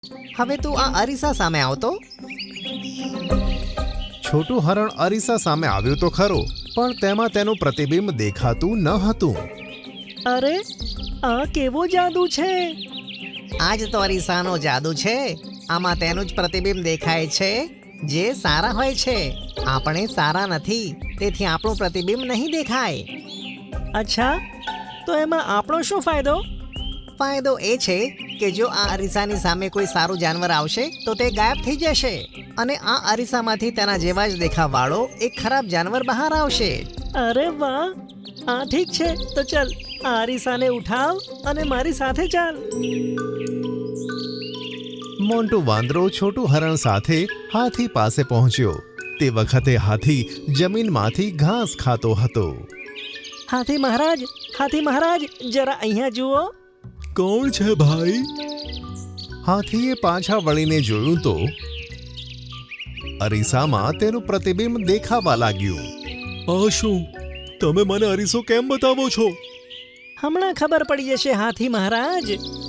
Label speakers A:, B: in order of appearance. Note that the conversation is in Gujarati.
A: હવે તું આ અરીસા સામે આવતો.
B: છોટું હરણ અરીસા સામે આવ્યું તો ખરો, પણ તેમાં તેનું પ્રતિબિંબ દેખાતું ન હતું.
C: અરે આ કેવો જાદુ છે!
A: આ જ તો અરીસાનો જાદુ છે. આમાં તેનું જ પ્રતિબિંબ દેખાય છે જે સારા હોય છે. આપણે સારા નથી, તેથી આપણું પ્રતિબિંબ નહીં દેખાય.
C: અચ્છા, તો એમાં આપણો શું ફાયદો?
A: ફાયદો એ છે કે જો આ અરીસાની સામે કોઈ સારું જાનવર આવશે તો તે ગાયબ થઈ જશે, અને આ અરીસામાંથી તેના જેવા જ દેખાવાળો એક ખરાબ જાનવર બહાર આવશે.
C: અરે વાહ! આ ઠીક છે, તો ચલ આ અરીસાને ઉઠાવ અને મારી સાથે ચાલ.
B: મોન્ટુ વાંદરો છોટું હરણ સાથે હાથી પાસે પહોંચ્યો. તે વખતે હાથી જમીનમાંથી ઘાસ ખાતો હતો.
C: હાથી મહારાજ, જરા અહીંયા જુઓ.
B: કોણ છે ભાઈ? હાથીએ પાછા વળીને જોયું તો અરીસામાં તેનું પ્રતિબિંબ દેખાવા લાગ્યું. આ શું? તમે મને અરીસો કેમ બતાવો છો?
C: હમણાં ખબર પડી જશે હાથી મહારાજ.